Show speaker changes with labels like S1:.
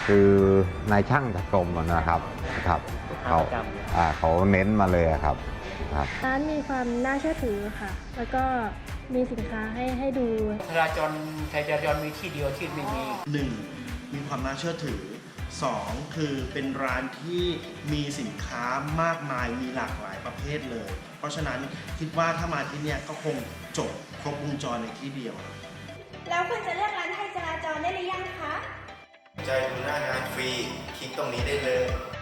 S1: คือนายช่างจากกรมนะครับเขาเน้นมาเลยครับ
S2: ร้านมีความน่าเชื่อถือค่ะ แล้วก็มีสินค้าให้ดู
S3: จราจรมีที่เดียวที่ไม่มี
S4: 1. มีความน่าเชื่อถือ 2. คือเป็นร้านที่มีสินค้ามากมายมีหลากหลายประเภทเลย เพราะฉะนั้นคิดว่าถ้ามาที่เนี่ยก็คงจบครบวงจรในที่เดียว
S5: แล้วคุณจะเลือกร้านไทยจราจรได้หรือยังคะ
S6: ใจดูหน้างานฟรี คลิกตรงนี้ได้เลย